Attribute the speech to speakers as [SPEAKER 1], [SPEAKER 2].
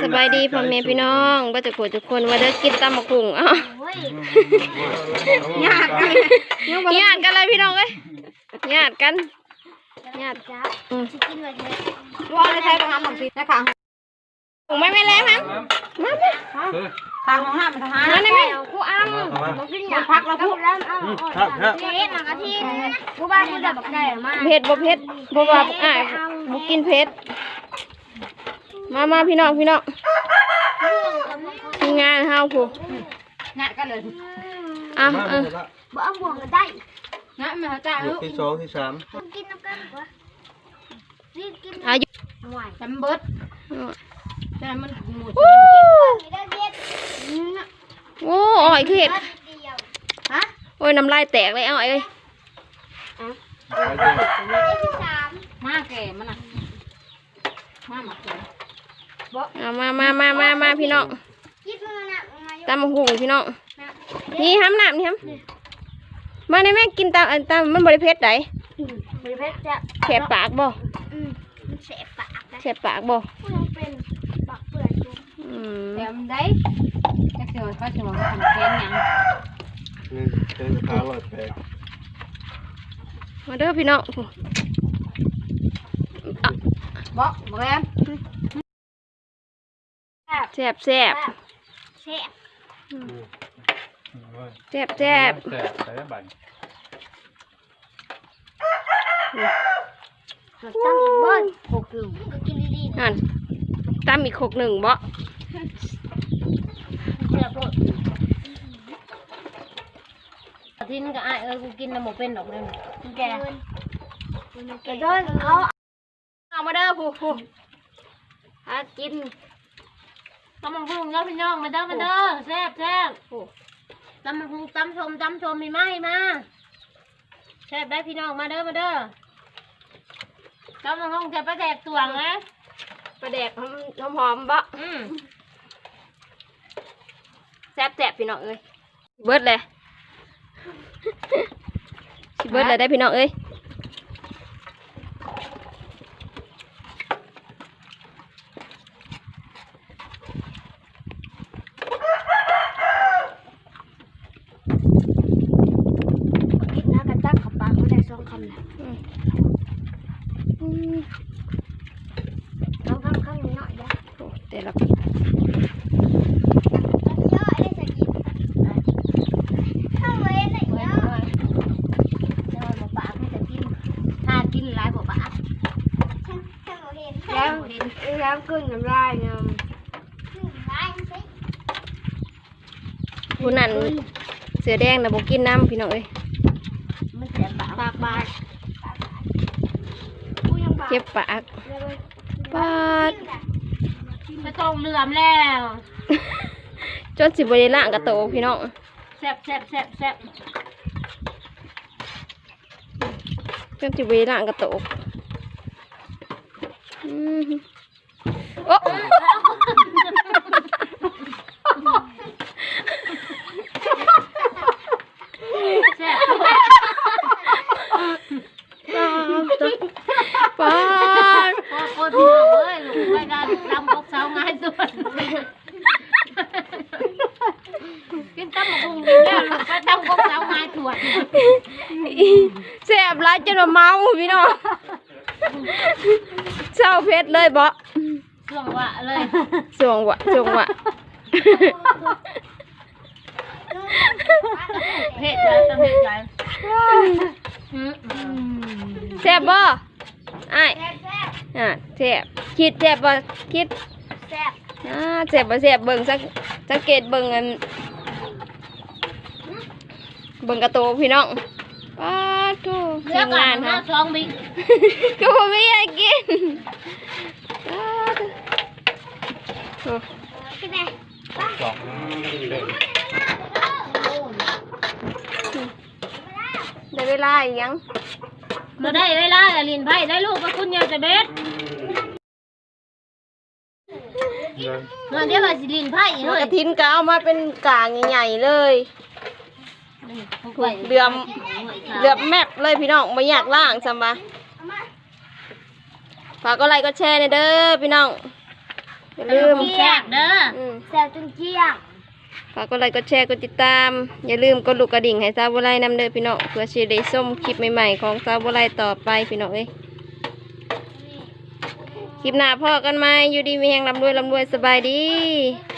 [SPEAKER 1] สบายดีพ่อแม่พี่น้องก็จะโกรธทุกคนว่าได้กินตำมะขุ่งอ้าวญาติกันเลยพี่น้องเอ้ยญาติกันญาติจ้ากินอะไรว่าอะไรใช้ประมาณ6 ปีนะคะถุงไม่แรงมั้งมาทางของห้ามทหารนั่นไงกูอ้ำพักเราพูดแล้วเผ็ดหนังกะทิกูบ้านกูดับได้มากเผ็ดบ่เผ็ดบ่ว่าบุกินเผ็ดมาพี่น้องมีงานเฮาผู้งานกันเลยบ่เอาบ่วงกันได้งานมาจ้าลูก
[SPEAKER 2] ที่2ที่3
[SPEAKER 1] กินน้ำกันบ่รีบกินอายุหน่อยจำเบิดแต่มันหมดโอ้ยคือเห็ดฮะโอ้ยน้ำลายแตกเลยอ้อยเอ้ยมาแก่มันน่ะมาหมักแก่มาพี่น้องตำมะฮุ่งพี่น้องนี่ห้ำน้ำนี่ห้ำมาในแม่กินตำมันบริเพชรไหนบริเพชรจะแฉะปากบ่แฉะปากบ่เป็นปากเปื่อยแถมได้จักเสียวก็จะบอกว่าทำแกงยัง
[SPEAKER 2] นี่เป็นข้าวแปลก
[SPEAKER 1] มาเด้อพี่น้องบ่แม่แซ่บใส่ใบตั้งอีกบ้าน6 ก็กินดีๆนั่นตั้มอีก6บ่ทิ้งก็กูกินน้ำหมูเป็นดอกเลยแกเดินเอามาเด้อผู้กินตำมะฮุ่งเนาะพี่น้องมาเด้อแซ่บตำมะฮุ่งตำชมมีไหมมาแซ่บได้พี่น้องมาเด้อตำมะฮุ่งจะประแดกตวงนะประแดกหอมบ่แซ่บพี่น้องเอ้ยเบิดเลยเบิดเลยได้พี่น้องเอ้ยแต่ละแล้วขึ้นน้ำลายเนี่ยผู้นั้นเสือแดงนะบอกกินน้ำพี่น้องเอ้ยปากบาดเจ็บปากไม่ต้องเหลื่อมแล้วจนสิบริล่างกระโตพี่น้องแซ่บจนสิบริล่างกระโตโอ้ป้าโคตรพี่น้องเอ้ยลูกไปกันลำกกเสาง่ายสุดกินตำมะฮุ่งแล้วลูกไปตำกกเสาง่ายสุดแซ่บหลายจนเมาพี่น้องเศร้าเพชรเลยบ่ส่วงวะเลยส่วงวะเพชรเลยต้องเพชรเลยแซ่บบ่แซ่บคิดแซ่บบ่คิดแซ่บแซ่บบ่แซ่บเบิ่งสังเกตเบิ่งกระโตพี่น้องป้าทูทีมงานค่ะ2 บิ๊กก็บ่มีให้กินได้เวลาอีกยังมาได้เวลาแต่ลินไผ่ได้ลูกกับคุณยายจะเบ็ดเดี๋ยวมาสิลินไผ่เลยกระถินก็เอามาเป็นกางใหญ่ๆเลยเดือมแมปเลยพี่น้องไม่อยากล่างซ้ำปะฝากก็ไลค์ก็แชร์ในเด้อพี่น้อง บอย่าลืม
[SPEAKER 3] แซ่บเด้อ
[SPEAKER 4] แซ่บจนเจี๊ยบ
[SPEAKER 1] ฝากกดไลค์กดแชร์กดติดตาม อย่าลืมกดลูกกระดิ่งให้สาวบัวไลนำเด้อพี่น้องเพื่อสิได้ชมคลิปใหม่ๆของสาวบัวไลต่อไปพี่น้องเอ้ยคลิปหน้าพ่อกันไหมอยู่ดีมีแหงร่ำรวยสบายดี